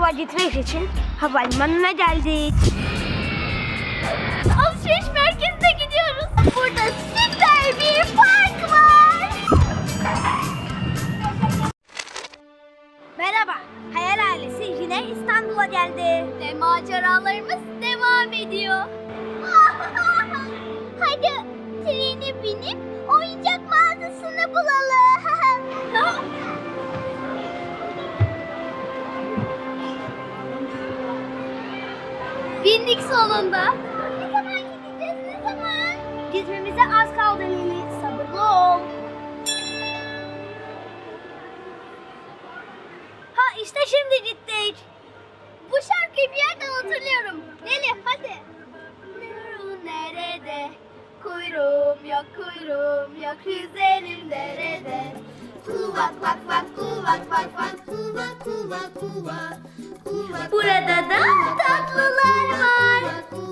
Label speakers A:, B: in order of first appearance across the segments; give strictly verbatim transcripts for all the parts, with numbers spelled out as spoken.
A: okula gitmek için havalimanına geldik.
B: Alışveriş merkezine gidiyoruz. Burada süper bir park var.
A: Merhaba, Hayal ailesi yine İstanbul'a geldi.
B: Ve maceralarımız devam ediyor. Hadi trene binip oyuncak mağazasını bulalım. Bindik sonunda. Ne zaman gideceğiz, ne zaman?
A: Gitmemize az kaldı Lili, sabırlı ol. Ha işte şimdi gittik.
B: Bu şarkıyı bir yerden hatırlıyorum. Leli hadi. Kuyruğun nerede? Kuyruğum yok, kuyruğum yok. Üzerim derede. Kuvak vak vak, kuvak vak vak. Kuvak kuvak kuvak. Burada da tatlılar var.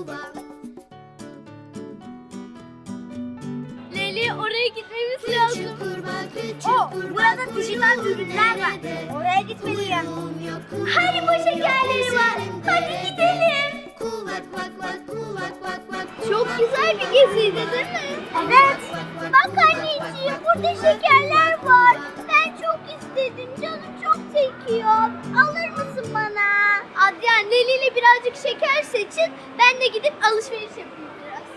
B: Leli oraya gitmemiz lazım.
A: O, burada dijital ürünler var. Oraya gitmeliyim.
B: Haribo şekerleri var. Hadi gidelim. Çok güzel bir geziydi değil mi?
A: Evet.
B: Bak anneciğim burada şekerler var. Ben çok istedim. Canım çok çekiyor. Alır mısın bana? Adrian, Leli ile birazcık şeker seçin. Ben de gidip alışveriş yapayım biraz.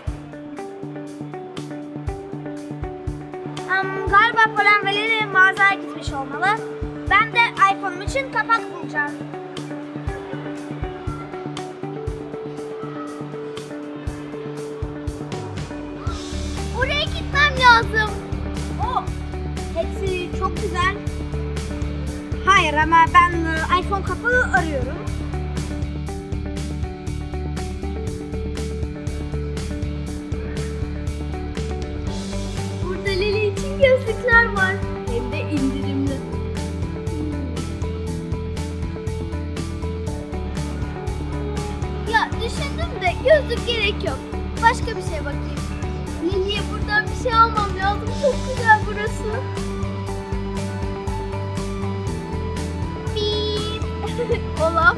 A: Um, galiba Polen ve Lili mağazaya gitmiş olmalı. Ben de iPhone'um için kapak bulacağım.
B: Oraya gitmem lazım.
A: O, hepsi çok güzel. Hayır ama ben e, iPhone kapağı arıyorum.
B: Burada Leli için gözlükler var. Hem de indirimli. Ya düşündüm de gözlük gerek yok. Başka bir şey bakayım. Leli'ye buradan bir şey almam lazım. Çok güzel burası. Bip. Olaf.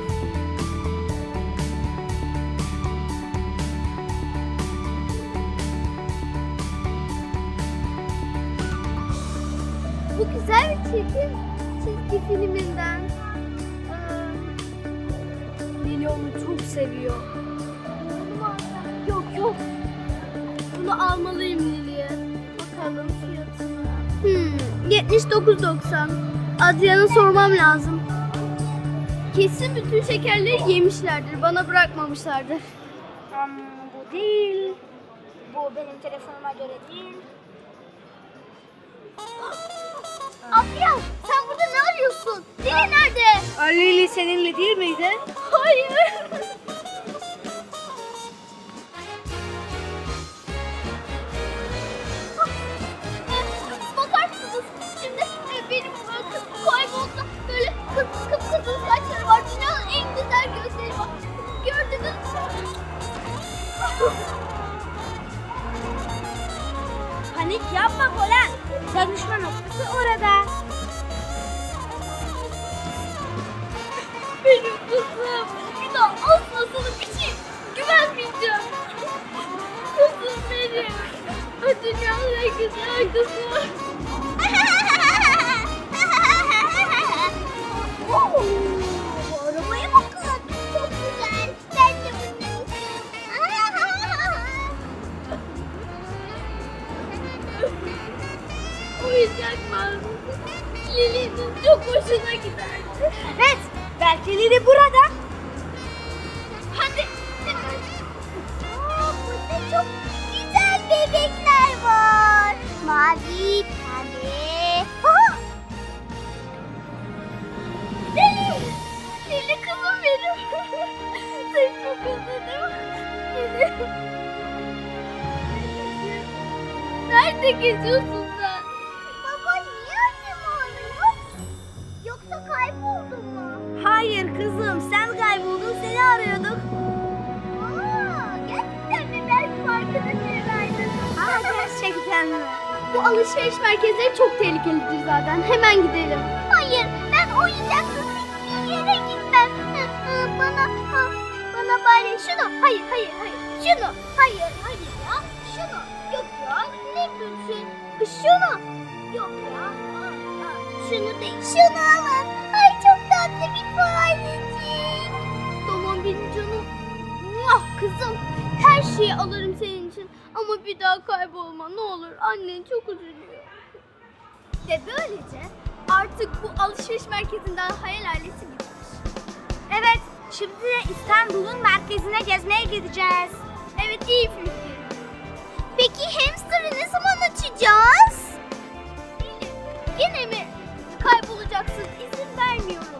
B: Bu güzel bir çizgi, çizgi filminden. Ee, Lili onu çok seviyor. Yok yok. Bunu almalıyım Lili'ye. Bakalım fiyatına. Hmm, yetmiş dokuz doksan. Adrian'a sormam lazım. Kesin bütün şekerleri yemişlerdir. Bana bırakmamışlardır.
A: Um, bu değil. Bu benim telefonuma göre değil.
B: Adrian, sen burada ne arıyorsun? Lili nerede?
A: Lili seninle değil miydi?
B: Hayır. Bakar mısınız? Şimdi e, benim kız kayboldu. Böyle kız kıpkızıl saçları var. Dünyanın en güzel gözleri var. Gördünüz mü?
A: Panik yapma Polen. Tanışma noktası orada.
B: Benim kızım. Bir daha asla sana bir şey güvenmeyeceğim. Kızım benim. O dünyanın en güzel kızı. Oo, bu arabaya bakın. Çok güzel. Ben de bundan istiyorum. Oyuncak mağazası. Lili'nin çok hoşuna giderdi.
A: Evet, belki Lili burada.
B: Hadi. Aa, burada çok güzel bebekler var. Mavi, pembe. Aha! Lili. Lili kızım benim. Seni çok özledim. Lili. Nerede geziyorsun sen? Baba niye annem ağlıyor? Yoksa kayboldun mu?
A: Hayır kızım, sen kayboldun, seni arıyorduk.
B: Aa, gerçekten mi? Belki arkadaşlarıydın.
A: Aa, gerçekten mi?
B: Bu alışveriş merkezleri çok tehlikelidir zaten. Hemen gidelim. Hayır, ben oyuncaksız hiçbir yere gitmem. ha. Bana bari şunu. Hayır hayır hayır. Şunu. Hayır hayır ya. Şunu. Yok ya. Ne yapıyorsun? Şunu. Yok ya. Aa, aa. Şunu değil. Şunu alın. Ay çok tatlı bir farecik. Tamam benim canım. Muah, kızım. Her şeyi alırım senin için. Ama bir daha kaybolma ne olur. Annen çok üzülüyor. Ve böylece artık bu alışveriş merkezinden hayal ailesi gitmiş.
A: Evet, şimdi de İstanbul'un merkezine gezmeye gideceğiz.
B: Evet iyi fikir. Peki hamster'ı ne zaman açacağız? Elif, yine mi kaybolacaksın? İzin vermiyorum